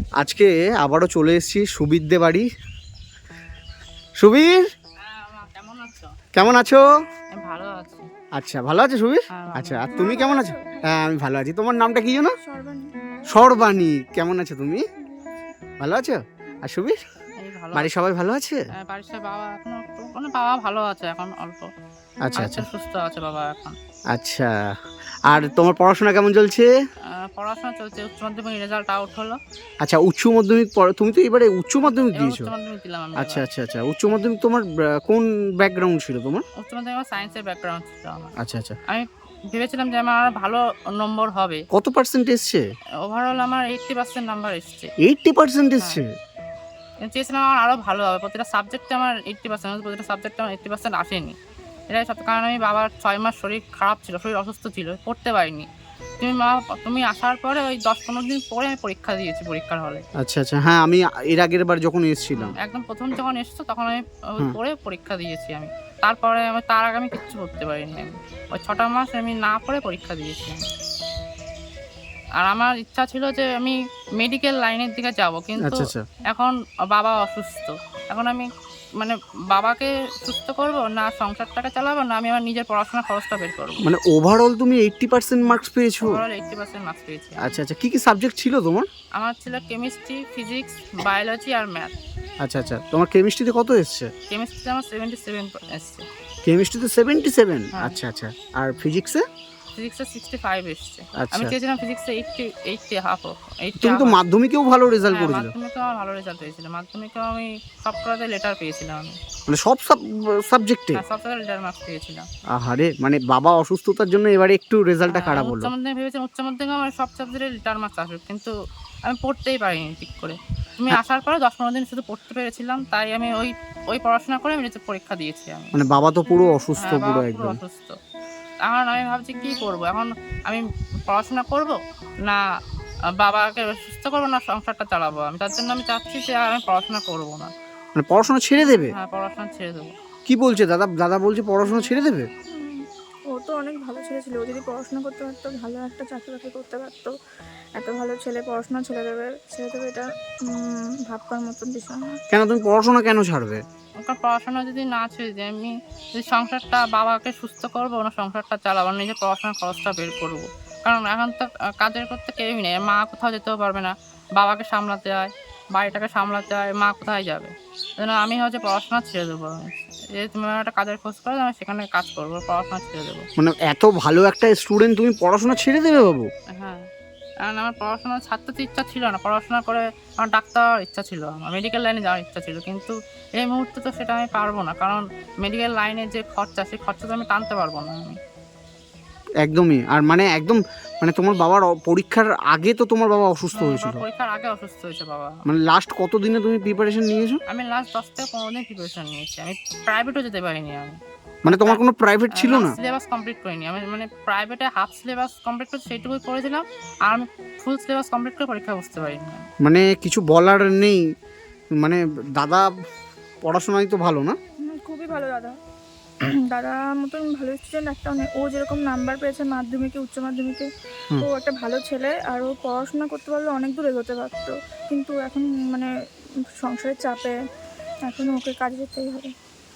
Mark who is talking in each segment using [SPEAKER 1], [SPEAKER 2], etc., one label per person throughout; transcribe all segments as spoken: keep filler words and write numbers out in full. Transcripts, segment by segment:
[SPEAKER 1] আজকে আবারও চলে এসেছি সুবীরদে বাড়ি। সুবীর,
[SPEAKER 2] কেমন আছো?
[SPEAKER 1] কেমন আছো?
[SPEAKER 2] আমি ভালো আছি।
[SPEAKER 1] আচ্ছা, ভালো আছো সুবীর?
[SPEAKER 2] হ্যাঁ, ভালো
[SPEAKER 1] আচ্ছা, আর
[SPEAKER 2] আছি।
[SPEAKER 1] তুমি কেমন আছো? হ্যাঁ, আমি ভালো আছি। তোমার নামটা কি জানো?
[SPEAKER 3] সর্বাণী।
[SPEAKER 1] সর্বাণী, কেমন আছো তুমি? ভালো আছো? আর সুবীর,
[SPEAKER 2] এই ভালো
[SPEAKER 1] বাড়ির
[SPEAKER 2] আছি।
[SPEAKER 1] সবাই ভালো আছে?
[SPEAKER 2] হ্যাঁ, বাড়ির সবাই বাবা এখন একটু মানে বাবা ভালো আছে এখন অল্প।
[SPEAKER 1] আচ্ছা আচ্ছা
[SPEAKER 2] আচ্ছা, সুস্থ আছে বাবা এখন।
[SPEAKER 1] আচ্ছা। আর তোমার পড়াশোনা কেমন চলছে?
[SPEAKER 2] আহ, পড়াশোনা চলছে, উচ্চ মাধ্যমিক রেজাল্ট আউট হলো।
[SPEAKER 1] আচ্ছা, উচ্চ মাধ্যমিক পড়া, তুমি তো এবারে উচ্চ মাধ্যমিক
[SPEAKER 2] এবার
[SPEAKER 1] দিয়েছো?
[SPEAKER 2] উচ্চ মাধ্যমিক দিলাম আমি।
[SPEAKER 1] আচ্ছা
[SPEAKER 2] এবার
[SPEAKER 1] আচ্ছা আচ্ছা, উচ্চ মাধ্যমিক তোমার আহ, কোন ব্যাকগ্রাউন্ড ছিল তোমার?
[SPEAKER 2] উচ্চ মাধ্যমিক আমার সায়েন্সের ব্যাকগ্রাউন্ড ছিল আমার।
[SPEAKER 1] আচ্ছা আচ্ছা,
[SPEAKER 2] আমি ভেবেছিলাম যে আমার আরো ভালো নম্বর হবে।
[SPEAKER 1] কত পার্সেন্ট এসছে?
[SPEAKER 2] ওভারঅল আমার এইটটি পার্সেন্ট নাম্বার এসছে।
[SPEAKER 1] এইটটি পার্সেন্ট
[SPEAKER 2] হ্যাঁ,
[SPEAKER 1] এসছে?
[SPEAKER 2] চেয়েছিলাম আমার আরও ভালো হবে, প্রতিটা সাবজেক্টে আমার এইটটি পার্সেন্ট, প্রতিটা সাবজেক্টে আমার এইটটি পার্সেন্ট আসেনি। এটাই সব, কারণ আমি বাবার ছয় মাস শরীর খারাপ ছিল, শরীর অসুস্থ ছিল, পড়তে পারিনি। তুমি মা তুমি আসার পরে ওই দশ পনেরো দিন পরে আমি পরীক্ষা দিয়েছি পরীক্ষার হলে।
[SPEAKER 1] আচ্ছা আচ্ছা, হ্যাঁ আমি এর আগের বার যখন এসেছিলাম।
[SPEAKER 2] একদম প্রথম যখন এসছো তখন আমি ওই
[SPEAKER 1] হুম।
[SPEAKER 2] পড়ে পরীক্ষা দিয়েছি আমি। তারপরে আমি তার আগে আমি কিচ্ছু পড়তে পারিনি আমি। ওই ছটা মাস আমি না পড়ে পরীক্ষা দিয়েছি আমি। আর আমার ইচ্ছা ছিল যে আমি মেডিকেল লাইনের দিকে যাব, কিন্তু
[SPEAKER 1] আচ্ছা আচ্ছা,
[SPEAKER 2] এখন বাবা অসুস্থ। এখন আমি মানে বাবাকে সুস্থ করব না সংসারটাকে চালাবো, না আমি আমার নিজের পড়াশোনার খরচটা বের করবো।
[SPEAKER 1] মানে ওভারঅল তুমি এইটটি পার্সেন্ট মার্কস পেয়েছো?
[SPEAKER 2] ওভারঅল এইটটি পার্সেন্ট মার্কস পেয়েছি আমি।
[SPEAKER 1] আচ্ছা আচ্ছা, কি কি সাবজেক্ট ছিল তোমার?
[SPEAKER 2] আমার ছিল কেমিস্ট্রি, ফিজিক্স, বায়োলজি আর ম্যাথ।
[SPEAKER 1] আচ্ছা আচ্ছা, তোমার কেমিস্ট্রিতে কত এসছে?
[SPEAKER 2] কেমিস্ট্রিতে আমার সেভেন্টি সেভেন এসছে।
[SPEAKER 1] কেমিস্ট্রিতে সেভেন্টি সেভেন?
[SPEAKER 2] হ্যাঁ।
[SPEAKER 1] আচ্ছা আচ্ছা, আর ফিজিক্সে?
[SPEAKER 2] ফিজিক্সে সিক্সটি ফাইভ এসছে।
[SPEAKER 1] আচ্ছা,
[SPEAKER 2] আমি চেয়েছিলাম ফিজিক্সে এইটটি এইটটি হাফ এইটটি
[SPEAKER 1] তুমি তো মাধ্যমিকেও ভালো রেজাল্ট
[SPEAKER 2] হ্যাঁ,
[SPEAKER 1] করেছিলে।
[SPEAKER 2] মাধ্যমিকে আমার ভালো রেজাল্ট হয়েছিল। মাধ্যমিকেও আমি সব কটাতে লেটার পেয়েছিলাম আমি।
[SPEAKER 1] মানে সব সাবজেক্টে?
[SPEAKER 2] হ্যাঁ, সব জায়গায় লেটার মার্কস পেয়েছিলাম।
[SPEAKER 1] আহারে, মানে বাবা অসুস্থতার জন্য এবারে একটু রেজাল্টটা
[SPEAKER 2] হ্যাঁ,
[SPEAKER 1] খারাপ
[SPEAKER 2] উচ্চ
[SPEAKER 1] হলো।
[SPEAKER 2] মাধ্যমিক ভেবেছিলাম উচ্চ মাধ্যমিকে আমার সব সাবজেক্টে লেটার মার্কস আসবে, কিন্তু আমি পড়তেই পারিনি ঠিক করে। তুমি
[SPEAKER 1] হ্যাঁ,
[SPEAKER 2] আসার পরে দশ পনেরো দিন শুধু পড়তে পেরেছিলাম, তাই আমি ওই ওই পড়াশোনা করে আমি নিচে পরীক্ষা দিয়েছি আমি।
[SPEAKER 1] মানে বাবা তো পুরো অসুস্থ,
[SPEAKER 2] হ্যাঁ,
[SPEAKER 1] পুরো
[SPEAKER 2] বাবা পুরো
[SPEAKER 1] একদম।
[SPEAKER 2] অসুস্থ। এখন আমি ভাবছি কী করবো এখন, আমি পড়াশোনা করব না আহ, বাবাকে সুস্থ করবো, না সংসারটা চালাবো আমি। তার জন্য আমি চাচ্ছি যে আর আমি পড়াশোনা করবো না।
[SPEAKER 1] মানে পড়াশোনা ছেড়ে দেবে?
[SPEAKER 2] হ্যাঁ, পড়াশোনা ছেড়ে দেবো।
[SPEAKER 1] কি বলছে দাদা? দাদা বলছে পড়াশোনা ছেড়ে দেবে?
[SPEAKER 3] হুম, ও তো অনেক ভালো ছেলে ছিল। ও যদি পড়াশোনা করতে পারতো, ভালো একটা চাকরি বাকরি করতে পারতো, এত ভালো ছেলে পড়াশোনা ছেড়ে দেবে ছেড়ে দেবে এটা উম, ভাববার মতন বিষয় না।
[SPEAKER 1] কেন, তুমি পড়াশোনা কেন ছাড়বে?
[SPEAKER 2] ওকে পড়াশোনা যদি না ছেড়ে দিই, আমি যদি সংসারটা বাবাকে সুস্থ করবো না সংসারটা চালাবো, নিজের পড়াশোনার খরচটা বের করবো। কারণ এখন তো আহ, কাজের করতে কেউই নেই, মা কোথাও যেতেও পারবে না, বাবাকে সামলাতে হয়, বাড়িটাকে সামলাতে হয়, মা কোথায় যাবে? যেন আমি হচ্ছে পড়াশোনা ছেড়ে দেবো। যে তুমি আমার একটা কাজের খোঁজ করো, আমি সেখানে কাজ করবো, পড়াশোনা ছেড়ে দেবো।
[SPEAKER 1] মানে এত ভালো একটা স্টুডেন্ট, তুমি পড়াশোনা ছেড়ে দেবে বাবু?
[SPEAKER 2] হ্যাঁ, কারণ আমার পড়াশোনা ছাড়তে তো ইচ্ছা ছিল না। পড়াশোনা করে আমার ডাক্তার হওয়ার ইচ্ছা ছিল, আমার মেডিকেল লাইনে যাওয়ার ইচ্ছা ছিল, কিন্তু এই মুহূর্তে তো সেটা আমি পারবো না। কারণ মেডিকেল লাইনের যে খরচা, সেই খরচা তো আমি টানতে পারবো না আমি।
[SPEAKER 1] একদমই। আর মানে একদম, মানে তোমার বাবার অ- পরীক্ষার আগে তো তোমার বাবা অসুস্থ
[SPEAKER 2] আমার
[SPEAKER 1] হয়েছিল।
[SPEAKER 2] বাবা পরীক্ষার আগে অসুস্থ হয়েছে বাবা।
[SPEAKER 1] মানে লাস্ট কত দিনে তুমি প্রিপারেশন নিয়েছো?
[SPEAKER 2] আমি লাস্ট দশ থেকে পনেরো দিন প্রিপারেশন নিয়েছি। আমি প্রাইভেটও যেতে পারিনি আমি।
[SPEAKER 1] মানে তোমার কোনো প্রাইভেট ছিল না?
[SPEAKER 2] সিলেবাস কমপ্লিট করিনি আমি, মানে প্রাইভেটে হাফ সিলেবাস কমপ্লিট করে সেইটুকুই করেছিলাম, আর আমি ফুল সিলেবাস কমপ্লিট করে পরীক্ষা বসতে পারিনি আমি।
[SPEAKER 1] মানে কিছু বলার নেই, মানে দাদা পড়াশোনায় তো ভালো না?
[SPEAKER 3] হুম, খুবই ভালো দাদা। দাদা মতন ভালো স্টুডেন্ট একটা নেই। ও যেরকম নাম্বার পেয়েছে মাধ্যমিকে, উচ্চ মাধ্যমিকে,
[SPEAKER 1] হুম।
[SPEAKER 3] ও একটা ভালো ছেলে। আর ও পড়াশোনা করতে পারলে অনেক দূর এগোতে পারতো, কিন্তু এখন মানে সংসারের চাপে এখন ওকে কাজে যেতেই হবে।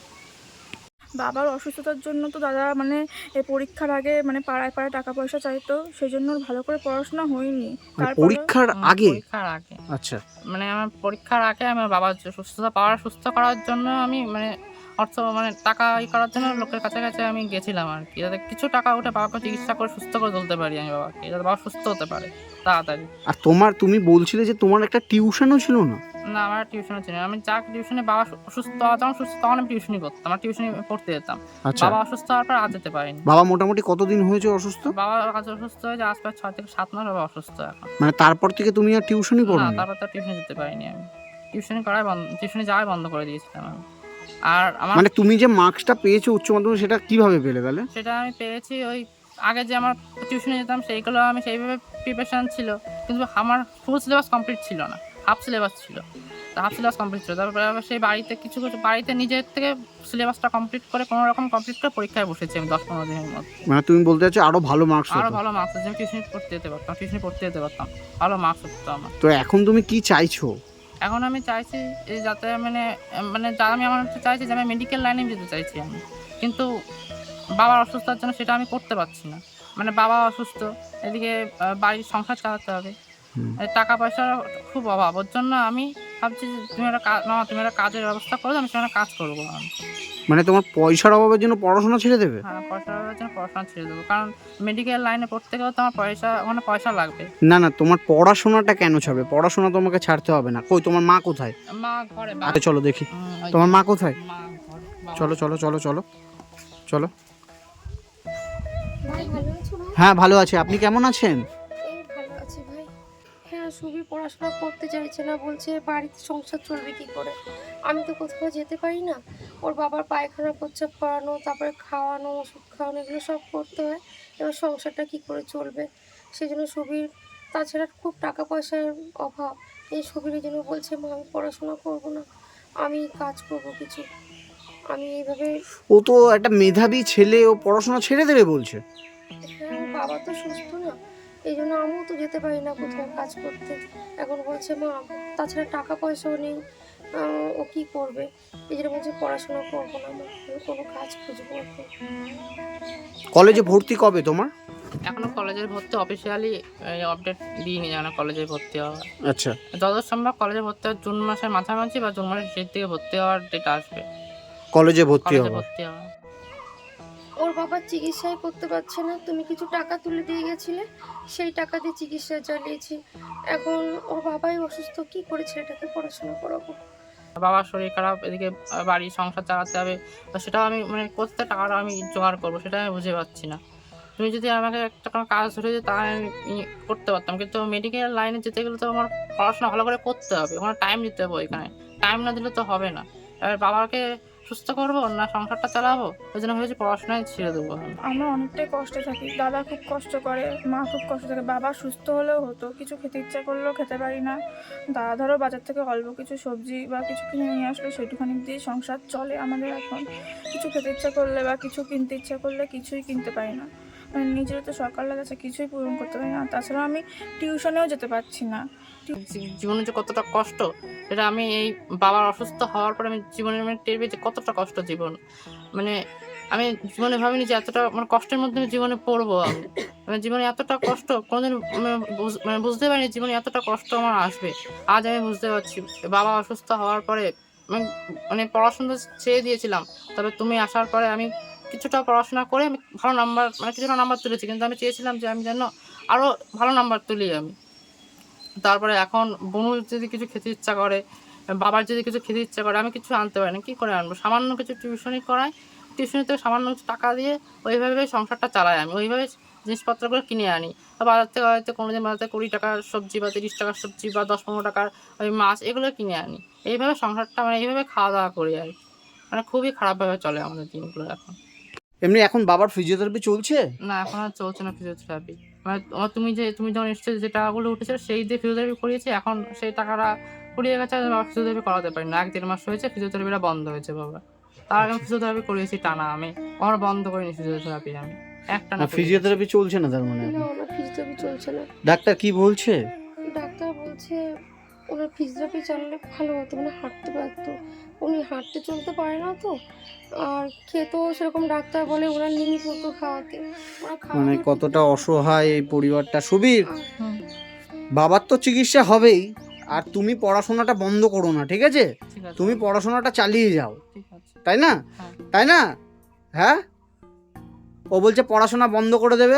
[SPEAKER 3] বাবার অসুস্থতার জন্য তো দাদা মানে এই পরীক্ষার আগে মানে পাড়ায় পাড়ায় টাকা পয়সা চাইতো, সেই জন্য ওর ভালো করে পড়াশোনা হয়নি।
[SPEAKER 1] মানে
[SPEAKER 3] তারপরে
[SPEAKER 1] পরীক্ষার
[SPEAKER 2] হুম,
[SPEAKER 1] আগে?
[SPEAKER 2] পরীক্ষার আগে
[SPEAKER 1] আচ্ছা,
[SPEAKER 2] মানে আমার পরীক্ষার আগে আমার বাবার যে সুস্থতা পাওয়ার সুস্থ করার জন্য আমি মানে অর্থ মানে টাকা ই করার জন্য লোকের কাছে কাছে আমি গেছিলাম আর কি, যাতে কিছু টাকা উঠে বাবাকে চিকিৎসা করে সুস্থ করে তুলতে পারি আমি বাবাকে, যাতে বাবা সুস্থ হতে পারে তাড়াতাড়ি।
[SPEAKER 1] আর তোমার, তুমি বলছিলে যে তোমার একটা টিউশনও ছিল না?
[SPEAKER 2] না, আমার টিউশনে ছিল না। আমি যা টিউশনে বাবা অসুস্থ হওয়া, যখন সুস্থ তখন আমি টিউশনই করতাম, আমার টিউশনি পড়তে যেতাম।
[SPEAKER 1] আচ্ছা,
[SPEAKER 2] বাবা অসুস্থ হওয়ার পর আর যেতে পারিনি।
[SPEAKER 1] বাবা মোটামুটি কতদিন হয়েছে অসুস্থ?
[SPEAKER 2] বাবা কাছে অসুস্থ হয়েছে আজ প্রায় ছয় থেকে সাত মাস বাবা অসুস্থ এখন।
[SPEAKER 1] মানে তারপর থেকে তুমি আর টিউশনই
[SPEAKER 2] না,
[SPEAKER 1] পড়ো না?
[SPEAKER 2] তারপর তো টিউশনে যেতে পারিনি আমি। টিউশনি করাই বন্ধ, টিউশনি যাওয়াই বন্ধ করে দিয়েছিলাম আমি। আর আমার
[SPEAKER 1] মানে তুমি যে মার্কসটা পেয়েছো উচ্চ মাধ্যমিক, সেটা কিভাবে পেলে তাহলে?
[SPEAKER 2] সেটা আমি পেয়েছি ওই আগে যে আমার টিউশনে যেতাম সেইগুলো আমি সেইভাবে প্রিপারেশান ছিল, কিন্তু আমার ফুল সিলেবাস কমপ্লিট ছিল না, হাফ সিলেবাস ছিল। হাফ সিলেবাস কমপ্লিট ছিল। তারপরে আবার সেই বাড়িতে কিছু কিছু বাড়িতে নিজের থেকে সিলেবাসটা কমপ্লিট করে কোনো রকম কমপ্লিট করে পরীক্ষায় বসেছি আমি দশ পনেরো দিনের মধ্যে।
[SPEAKER 1] মানে তুমি বলতে চাচ্ছো আরো ভালো মার্কস
[SPEAKER 2] আরও
[SPEAKER 1] হতো।
[SPEAKER 2] ভালো মার্কস হচ্ছে, আমি টিউশনি পড়তে যেতে পারতাম, টিউশনি পড়তে যেতে পারতাম, ভালো মার্কস হতো আমার।
[SPEAKER 1] তো এখন তুমি কি চাইছো?
[SPEAKER 2] এখন আমি চাইছি এই যাতে মানে মানে যা আমি আমার হচ্ছে চাইছি যে আমি মেডিকেল লাইনে যেতে চাইছি আমি, কিন্তু বাবার অসুস্থতার জন্য সেটা আমি করতে পারছি না। মানে বাবা অসুস্থ, এদিকে আহ, বাড়ির সংসার চালাতে হবে,
[SPEAKER 1] হুম।
[SPEAKER 2] এই টাকা পয়সার খুব অভাব। ওর জন্য আমি ভাবছি যে তুমি একটা কাজ না, তুমি একটা কাজের ব্যবস্থা করো, আমি সেখানে কাজ করবো আমি।
[SPEAKER 1] মানে তোমার পয়সার অভাবের জন্য পড়াশোনা ছেড়ে দেবে?
[SPEAKER 2] হ্যাঁ, পয়সার অভাবের জন্য পড়াশোনা ছেড়ে দেবো, কারণ মেডিকেল লাইনে পড়তে গেলেও তো আমার পয়সা, ওখানে পয়সা লাগবে।
[SPEAKER 1] না না, তোমার পড়াশোনাটা কেন ছাড়বে? পড়াশোনা তোমাকে ছাড়তে হবে না। কই তোমার মা কোথায়?
[SPEAKER 2] মা ঘরে, বা-
[SPEAKER 1] আরে চলো দেখি
[SPEAKER 2] হুম, ওই যে
[SPEAKER 1] তোমার মা কোথায়।
[SPEAKER 2] মা ঘরে, বাবা-
[SPEAKER 1] চলো চলো চলো চলো চলো।
[SPEAKER 4] ভাই ভালো আছো ভাই?
[SPEAKER 1] হ্যাঁ ভালো আছে, আপনি কেমন আছেন?
[SPEAKER 4] এই ভালো আছি ভাই। হ্যাঁ, সুবি পড়াশোনা করতে চাইছে না, বলছে বাড়িতে সংসার চলবে কি করে। আমি তো কোথাও যেতে পারি না, ওর বাবার পায়খানা প্রস্রাব করানো, তারপরে খাওয়ানো, ওষুধ খাওয়ানো, এগুলো সব করতে হয়। এবার সংসারটা কি করে চলবে, সেই জন্য সুবির, তাছাড়া খুব টাকা পয়সার অভাব। এই সুবির জন্য বলছে মা আমি পড়াশোনা করবো না, আমি কাজ করবো কিছু। আমি এইভাবে,
[SPEAKER 1] ও তো একটা মেধাবী ছেলে, ও পড়াশোনা ছেড়ে দেবে বলছে।
[SPEAKER 4] হ্যাঁ ওর বাবা তো সুস্থ না, এই জন্য আমিও তো যেতে পারি না কোথাও কাজ করতে। এখন বলছে মা, তাছাড়া টাকা পয়সাও নেই, আহ, ও কি করবে, এই জন্য বলছে পড়াশোনা করবো না, আমি আমি কোনো কাজ খুঁজবো এখন।
[SPEAKER 1] কলেজে ভর্তি কবে তোমার?
[SPEAKER 2] এখনো কলেজের ভর্তি অফিসিয়ালি আপডেট দিইনি, যেন কলেজে ভর্তি হওয়া।
[SPEAKER 1] আচ্ছা,
[SPEAKER 2] যত সম্ভব কলেজে ভর্তি হওয়ার জুন মাসের মাঝামাঝি বা জুন মাসের শেষের দিকে ভর্তি হওয়ার ডেট আসবে।
[SPEAKER 1] কলেজে ভর্তি
[SPEAKER 2] কলেজে
[SPEAKER 1] হবো।
[SPEAKER 2] ভর্তি হওয়া
[SPEAKER 4] ওর বাবা চিকিৎসাই করতে পারছে না, তুমি কিছু টাকা তুলে দিয়ে গেছিলে, সেই টাকা দিয়ে চিকিৎসা চালিয়েছি। এখন ওর বাবাই অসুস্থ, কি করে ছেলেটাকে পড়াশোনা করাবো।
[SPEAKER 2] বাবার শরীর খারাপ, এদিকে আহ, বাড়ির সংসার চালাতে হবে, তো সেটাও আমি মানে কোথায় টাকাটা আমি জোগাড় করবো সেটা আমি বুঝে পাচ্ছি না। তুমি যদি আমাকে একটা কোনো কাজ ধরে দিতে তাহলে আমি ই করতে পারতাম, কিন্তু মেডিকেল লাইনে যেতে গেলে তো আমার পড়াশোনা ভালো করে করতে হবে, ওখানে টাইম দিতে হবে, ওইখানে টাইম না দিলে তো হবে না। এবার বাবাকে সুস্থ করবো না সংসারটা চালাবো, ওই জন্য ভেবেছি পড়াশোনায় ছেড়ে দেবো আমি।
[SPEAKER 3] আমরা অনেকটাই কষ্টে থাকি, দাদা খুব কষ্ট করে, মা খুব কষ্ট থাকে। বাবা সুস্থ হলেও হতো, কিছু খেতে ইচ্ছা করলেও খেতে পারি না। দাদা ধরো বাজার থেকে অল্প কিছু সবজি বা কিছু কিনে নিয়ে আসলো, সেটুখানি দিয়ে সংসার চলে আমাদের। এখন কিছু খেতে ইচ্ছা করলে বা কিছু কিনতে ইচ্ছা করলে কিছুই কিনতে পারি না, মানে নিজের তো সকাল লাগাচ্ছে, কিছুই পূরণ করতে পারি না। তাছাড়া আমি টিউশনেও যেতে পারছি না।
[SPEAKER 2] জী- জীবনে যে কতটা কষ্ট সেটা আমি এই বাবার অসুস্থ হওয়ার পরে আমি জীবনের মানে টের পেয়েছি কতটা কষ্ট জীবন। মানে আমি জীবনে ভাবিনি যে এতটা মানে কষ্টের মধ্যে আমি জীবনে পড়বো। আমি মানে জীবনে এতটা কষ্ট কোনোদিন মানে বুঝ- মানে বুঝতে পারিনি জীবনে এতটা কষ্ট আমার আসবে। আজ আমি বুঝতে পারছি। বাবা অসুস্থ হওয়ার পরে আমি মানে পড়াশোনা ছেড়ে দিয়েছিলাম, তবে তুমি আসার পরে আমি কিছুটা পড়াশোনা করে আমি ভালো নাম্বার মানে কিছুটা নাম্বার তুলেছি, কিন্তু আমি চেয়েছিলাম যে আমি যেন আরও ভালো নাম্বার তুলি আমি। তারপরে এখন বনুর যদি কিছু খেতে ইচ্ছা করে, বাবার যদি কিছু খেতে ইচ্ছা করে, আমি কিছু আনতে পারি না, কী করে আনবো? সামান্য কিছু টিউশনি করাই, টিউশনি থেকে সামান্য কিছু টাকা দিয়ে ওইভাবে সংসারটা চালাই আমি, ওইভাবে জিনিসপত্রগুলো কিনে আনি। তো বাজার থেকে হয়তো কোনো দিন বাজার থেকে কুড়ি টাকার সবজি বা তিরিশ টাকার সবজি বা দশ পনেরো টাকার ওই মাছ এগুলো কিনে আনি। এইভাবে সংসারটা মানে এইভাবে খাওয়া দাওয়া করি আর কি। মানে খুবই খারাপভাবে চলে আমাদের দিনগুলো এখন।
[SPEAKER 1] এমনি এখন বাবার ফিজিওথেরাপি চলছে?
[SPEAKER 2] না, এখন আর চলছে না ফিজিওথেরাপি। মানে তোমার তুমি যে তুমি যখন এসেছো যে টাকাগুলো উঠেছিল সেই দিয়ে ফিজিওথেরাপি করিয়েছি, এখন সেই টাকাটা ফুরিয়ে গেছে, বাবা ফিজিওথেরাপি করাতে পারি না। এক দেড় মাস হয়েছে ফিজিওথেরাপিটা বন্ধ হয়েছে বাবা। তার আগে ফিজিওথেরাপি করিয়েছি টানা, আমি কখনো বন্ধ করিনি ফিজিওথেরাপি আমি একটা না।
[SPEAKER 1] ফিজিওথেরাপি চলছে না তার মানে?
[SPEAKER 4] না, ওনার ফিজিওথেরাপি চলছে না।
[SPEAKER 1] ডাক্তার কি বলছে?
[SPEAKER 4] ডাক্তার বলছে ওনার ফিজিওথেরাপি চালালে ভালো হতো, মানে হাঁটতে পারতো। উনি হাঁটতে চলতে পারে না তো, আর খেতেও সেরকম ডাক্তার বলে ওনার লিমিট মতো খাওয়াতে। ওরা খাওয়া
[SPEAKER 1] মানে
[SPEAKER 4] দাওয়া
[SPEAKER 1] কতটা
[SPEAKER 4] ঠিকঠাক-
[SPEAKER 1] অসহায় এই পরিবারটা। সুবীর,
[SPEAKER 4] আর
[SPEAKER 2] হুম,
[SPEAKER 1] বাবার তো চিকিৎসা হবেই, আর তুমি পড়াশোনাটা বন্ধ করো না, ঠিক আছে?
[SPEAKER 2] ঠিক আছে,
[SPEAKER 1] তুমি পড়াশোনাটা চালিয়ে যাও,
[SPEAKER 2] ঠিক আছে।
[SPEAKER 1] তাই না?
[SPEAKER 2] হ্যাঁ।
[SPEAKER 1] তাই না? হ্যাঁ, ও বলছে পড়াশোনা বন্ধ করে দেবে।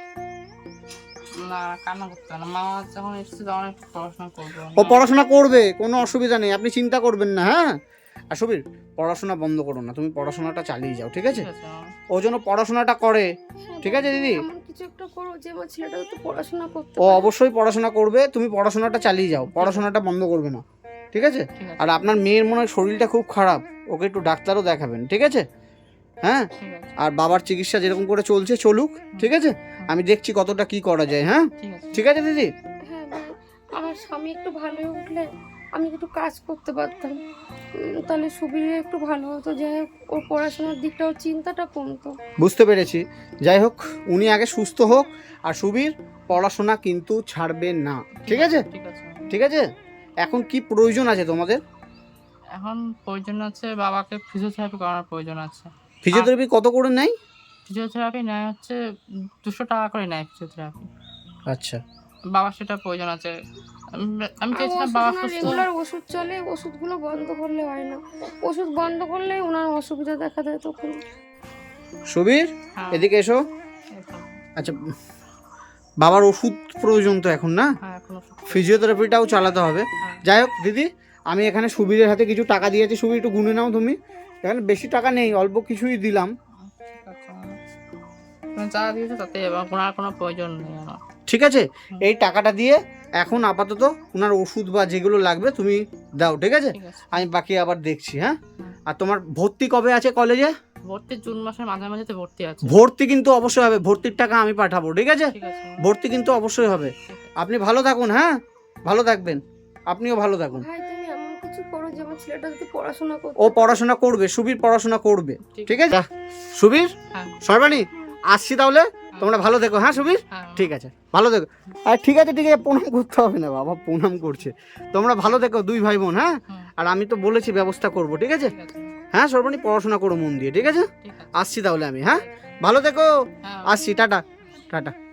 [SPEAKER 2] না, কান্না করতে হবে না, মা যখন এসেছে তখন একটু পড়াশোনা করবো।
[SPEAKER 1] ও পড়াশোনা করবে, কোনো অসুবিধা নেই, আপনি চিন্তা করবেন না। হ্যাঁ, আর সুবীর, পড়াশোনা বন্ধ করো না, তুমি পড়াশোনাটা চালিয়ে যাও, ঠিক আছে?
[SPEAKER 2] ঠিক আছে মা।
[SPEAKER 1] ও যেন পড়াশোনাটা করে,
[SPEAKER 4] হ্যাঁ,
[SPEAKER 1] ঠিক আছে দিদি?
[SPEAKER 4] এমন কিছু একটা করো যে আমার ছেলেটা তো পড়াশোনা করতে
[SPEAKER 1] ও
[SPEAKER 4] পারে।
[SPEAKER 1] অবশ্যই পড়াশোনা করবে, তুমি পড়াশোনাটা চালিয়ে যাও, পড়াশোনাটা বন্ধ করবে না, ঠিক আছে?
[SPEAKER 2] ঠিক আছে,
[SPEAKER 1] আর আপনার মেয়ের মনে হয় শরীরটা খুব খারাপ, ওকে একটু ডাক্তারও দেখাবেন, ঠিক আছে? হ্যাঁ,
[SPEAKER 2] ঠিক আছে,
[SPEAKER 1] আর বাবার চিকিৎসা যেরকম করে চলছে চলুক, ঠিক আছে? আমি দেখছি কতটা কি করা যায়। হ্যাঁ,
[SPEAKER 2] ঠিক আছে।
[SPEAKER 1] ঠিক আছে দিদি?
[SPEAKER 4] হ্যাঁ ভাই, আমার স্বামী একটু ভালো হয়ে উঠলে আমি একটু কাজ করতে পারতাম, উম, তাহলে সুবিধা একটু ভালো হতো, যাই হোক ওর পড়াশোনার দিকটা ওর চিন্তাটা কমতো।
[SPEAKER 1] বুঝতে পেরেছি। যাই হোক, উনি আগে সুস্থ হোক, আর সুবীর পড়াশোনা কিন্তু ছাড়বে না, ঠিক আছে?
[SPEAKER 2] ঠিক আছে।
[SPEAKER 1] ঠিক আছে, এখন কি প্রয়োজন আছে তোমাদের?
[SPEAKER 2] এখন প্রয়োজন আছে বাবাকে ফিজিওথেরাপি করানোর প্রয়োজন আছে।
[SPEAKER 1] ফিজিওথেরাপি কত করে নেয়?
[SPEAKER 2] ফিজিওথেরাপি নেয় হচ্ছে দুশো টাকা করে নেয় ফিজিওথেরাপি।
[SPEAKER 1] আচ্ছা,
[SPEAKER 2] বাবার সেটা প্রয়োজন আছে। আমি- আমি চাইছিলাম বাবা সুস্থ।
[SPEAKER 4] রেগুলার ওষুধ চলে, ওষুধগুলো বন্ধ করলে হয় না, ওষুধ বন্ধ করলে ওনার অসুবিধা দেখা দেয় তখন।
[SPEAKER 1] সুবীর
[SPEAKER 2] হ্যাঁ,
[SPEAKER 1] এদিকে এসো।
[SPEAKER 2] এখন-
[SPEAKER 1] আচ্ছা, বাবার ওষুধ প্রয়োজন তো এখন, না?
[SPEAKER 2] হ্যাঁ, এখন ওষুধ।
[SPEAKER 1] ফিজিওথেরাপিটাও চালাতে হবে।
[SPEAKER 2] হ্যাঁ।
[SPEAKER 1] যাই হোক দিদি, আমি এখানে সুবীরের হাতে কিছু টাকা দিয়েছি, সুবীর একটু গুনে নাও তুমি। এখানে বেশি টাকা নেই, অল্প কিছুই দিলাম,
[SPEAKER 2] ঠিক আছে। তুমি যা দিয়েছো তাতে এবং ওনার কোনো প্রয়োজন নেই আমার।
[SPEAKER 1] ঠিক আছে? এই টাকাটা দিয়ে এখন আপাতত ওনার ওষুধ বা যেগুলো লাগবে তুমি দাও, ঠিক আছে?
[SPEAKER 2] ঠিক আছে।
[SPEAKER 1] আমি বাকি আবার দেখছি, হ্যাঁ? আর তোমার ভর্তি কবে আছে কলেজে?
[SPEAKER 2] ভর্তি জুন মাসের মাঝামাঝি তো ভর্তি আছে।
[SPEAKER 1] ভর্তি কিন্তু অবশ্যই হবে, ভর্তির টাকা আমি পাঠাবো, ঠিক আছে?
[SPEAKER 2] ঠিক আছে।
[SPEAKER 1] ভর্তি কিন্তু অবশ্যই হবে। আপনি ভালো থাকুন, হ্যাঁ? ভালো থাকবেন, আপনিও ভালো থাকুন।
[SPEAKER 4] ভাই তুমি এমন কিছু করো যে আমার ছেলেটা যদি পড়াশোনা করতে
[SPEAKER 1] ও পড়াশোনা করবে, সুবীর পড়াশোনা করবে, ঠিক আছে? সুবীর,
[SPEAKER 2] হ্যাঁ।
[SPEAKER 1] সর্বাণী, আসছি তাহলে, তোমরা ভালো থেকো, হ্যাঁ সুবীর?
[SPEAKER 2] হ্যাঁ।
[SPEAKER 1] ঠিক আছে, ভালো থেকো। আর ঠিক আছে, ঠিক আছে, প্রণাম করতে হবে না, বাবা প্রণাম করছে। তোমরা ভালো থেকো দুই ভাই বোন, হ্যাঁ?
[SPEAKER 2] হুম,
[SPEAKER 1] আর আমি তো বলেছি ব্যবস্থা করব, ঠিক আছে?
[SPEAKER 2] ঠিক আছে।
[SPEAKER 1] হ্যাঁ সর্বাণী, পড়াশোনা করো মন দিয়ে, ঠিক আছে?
[SPEAKER 2] ঠিক আছে।
[SPEAKER 1] আসছি তাহলে আমি, হ্যাঁ? ভালো থেকো,
[SPEAKER 2] হ্যাঁ।
[SPEAKER 1] আসছি, টাটা টাটা।